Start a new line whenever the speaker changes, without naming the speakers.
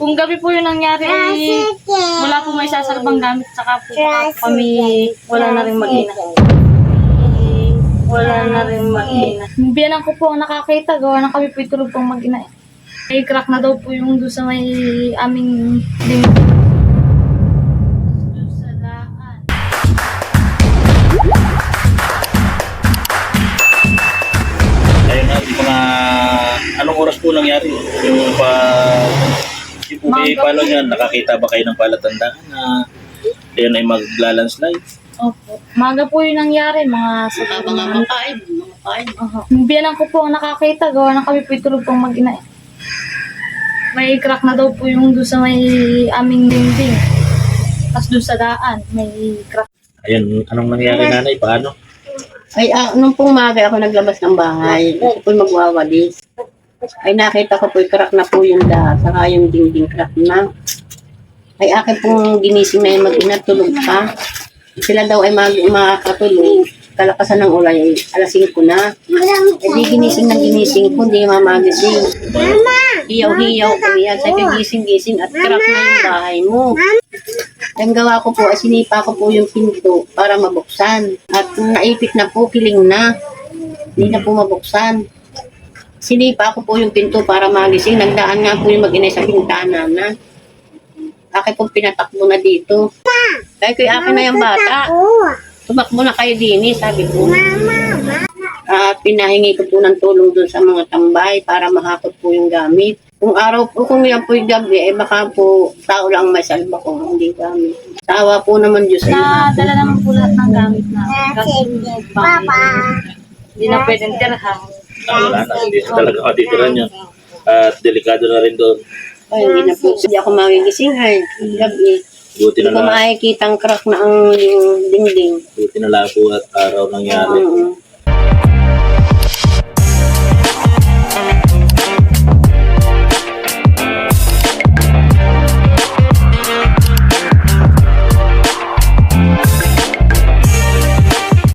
Kung gabi po yung nangyari, wala po may sasalbang gamit, saka po kami wala na rin mag-ina. Wala na rin mag-ina. Biyanan ko po ang nakakita, gawa na kami po itulog pong mag-ina. May crack na daw po yung doon sa may aming dingding. Doon sa daan.
Ayun na, di ko na... Anong oras po nangyari? Yung po kayo palo niyan, nakakita ba kayo ng palatandaan na yun ay maglalandslide?
Opo. Maga po yung nangyari, mga sa
Mga makain.
Biyanan ko po ang nakakita, gawa na kami po itulog pong mag-ina. May crack na daw po yung doon sa may aming dingding. Tapos doon sa daan, may crack.
Ayun, anong nangyari nanay? Paano?
Ay, nung pong maga ako naglabas ng bahay, ako po'y magwawalis. Ay, nakita ko po'y crack na po yung lahat, saka yung dingding crack na. Ay, akin pong ginising na yung mag-ina, tulog pa. Sila daw ay makakatulog. Kalakasan ng ulay, alas 5 na. Eh, di ginising na ginising ko, hindi mamagising. Hiyaw-hiyaw ko yan. Sabi, gising-gising at crack na yung bahay mo. Ang gawa ko po, ay sinipa ko po yung pinto para mabuksan. At naipit na po, kiling na. Hindi na po mabuksan. Sinipa ko po yung pinto para magising. Nagdaan nga po yung mag-inay sa pintana na. Akin pong pinatakbo na dito. Kaya ko akin na yung bata. Tumakbo na kayo din, sabi ko. At pinahingi ko po ng tulong doon sa mga tambay para mahakot po yung gamit. Kung araw po, kung yan po yung gabi, eh baka po tao lang may salba ko, hindi gamit. Tawa po naman Diyos.
Nadala naman po lahat ng gamit na. Hindi na pwedeng tirahan.
Wala na, hindi na talaga matitiran yun. At delikado na rin doon.
Ay, hindi na po. Hindi ako magigising ay gabi.
Buti
Hindi
na
ko
lang,
makikita ang crack na ang yung dingding.
buti na lang po at araw nangyari.